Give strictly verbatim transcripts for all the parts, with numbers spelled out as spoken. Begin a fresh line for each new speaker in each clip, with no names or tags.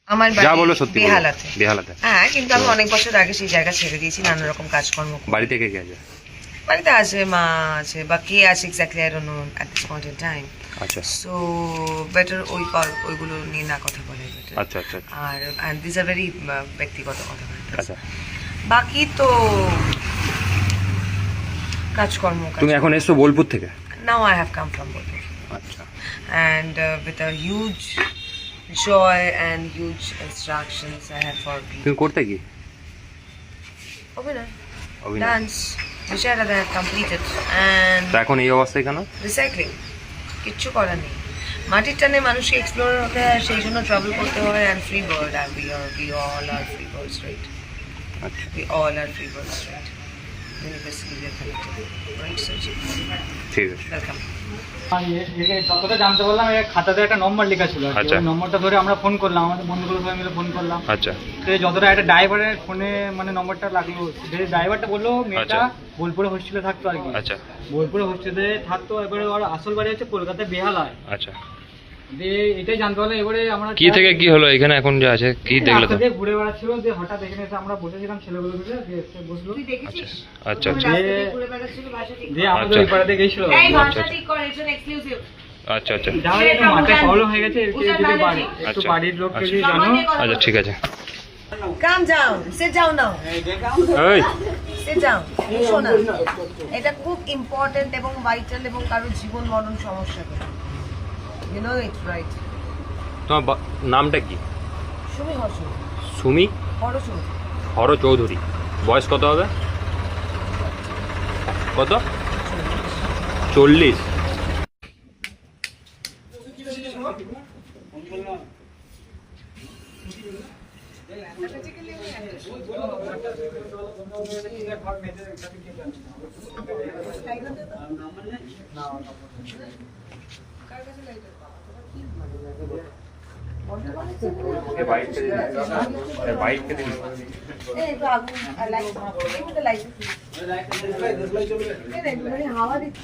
আমার
যা বলো সত্যি বলো।
বেহালাতে
বেহালাতে
হ্যাঁ, কিন্তু আমি অনেক বছর আগে সেই জায়গা ছেড়ে দিয়েছি নানা রকম কাজকর্ম করে।
বাড়ি থেকে কে আছে?
বাড়িতে আছে, মা আছে, বা কে আছে exactly I don't know at this point in time.
আচ্ছা
সো বেটার ওই ক- ওইগুলো নিয়ে না কথা বলে better।
আচ্ছা আচ্ছা
আর অ্যান্ড দিস আর ভেরি ব্যক্তিগত কথা।
আচ্ছা।
বাকি তো কাজকর্ম।
তুমি এখন এসছো বোলপুর থেকে?
Now I have come from Bolpur
আচ্ছা
and uh, with a huge joy and huge instructions I had for people.
তুমি করতে কি?
Obinay,
অভিনয়।
dance, which I had completed, and
তা এখন এই অবস্থায় কেন?
recycling. কিচ্ছু করার নেই, মাটির টানে মানুষকে এক্সপ্লোর হতে হয়, সেই জন্য ট্রাভেল করতে হয়। And free bird, are we are we all are free birds, right?
আচ্ছা
we all are free birds, right? University we are connected, right? So
ঠিক আছে।
ওয়েলকাম।
আর এ- এ যতটা জানতে পারলাম, এর খাতাতে একটা নম্বর লেখা ছিল আর কি।
আচ্ছা।
ওই নম্বরটা ধরে আমরা ফোন করলাম, আমাদের বন্ধুগুলো সবাই মিলে ফোন করলাম।
আচ্ছা
তো যতটা একটা ড্রাইভারের ফোনে মানে নম্বরটা লাগলো, যে ড্রাইভারটা বললো মেয়েটা
আচ্ছা।
বোলপুরে হোস্টেলে থাকতো আর কি।
আচ্ছা
বোলপুরে হোস্টেলে থাকতো, এবারে ওর আসল বাড়ি হচ্ছে কলকাতায় বেহালায়।
আচ্ছা।
দিয়ে এটাই জানতে পারলাম। এবারে আমরা
কি থেকে কি হলো এখানে এখন যা আছে কি দেখলে তো?
রাস্তা দিয়ে ঘুরে বেড়াচ্ছিল, যে হঠাৎ এখানে এসে আমরা বসেছিলাম ছেলেগুলো মিলে, দিয়ে এসে বসলো।
আচ্ছা আচ্ছা
দিয়ে- দিয়ে আমাদের ওই পাড়াতে গেছিল।
আচ্ছা আচ্ছা আচ্ছা
যাওয়ার একটু মাথায় প্রবলেম হয়ে গেছে, এর থেকে যদি বাড়ি একটু
আচ্ছা।
বাড়ির লোককে যদি
আচ্ছা।
জানো।
আচ্ছা ঠিক আছে।
Calm down, sit down now.
এই
Sit down. শোনা, এটা খুব ইম্পর্টেন্ট এবং ভাইটাল এবং কারোর জীবন মরণ সমস্যা করে। You know it, right?
তোমার বা- নামটা কি?
সুমি হর্ষ,
সুমি
হরষ।
হর চৌধুরী। বয়স কত হবে? কত? চল্লিশ।
এই তো আগুন লাইট, দেখুন তো লাইট। এই দেখুন মানে হাওয়া দিচ্ছে।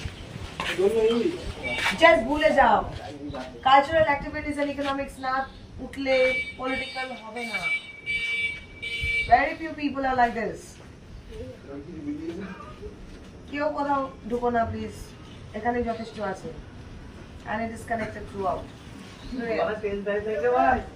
জাস্ট ভুলে যাও, কালচারাল অ্যাক্টিভিটিস এন্ড ইকোনমিক্স না উঠলে পলিটিক্যাল হবে না। Very few people are like this. কেউ কোথাও ঢুকো না প্লিজ, এখানে যথেষ্ট আছে। And it is connected throughout.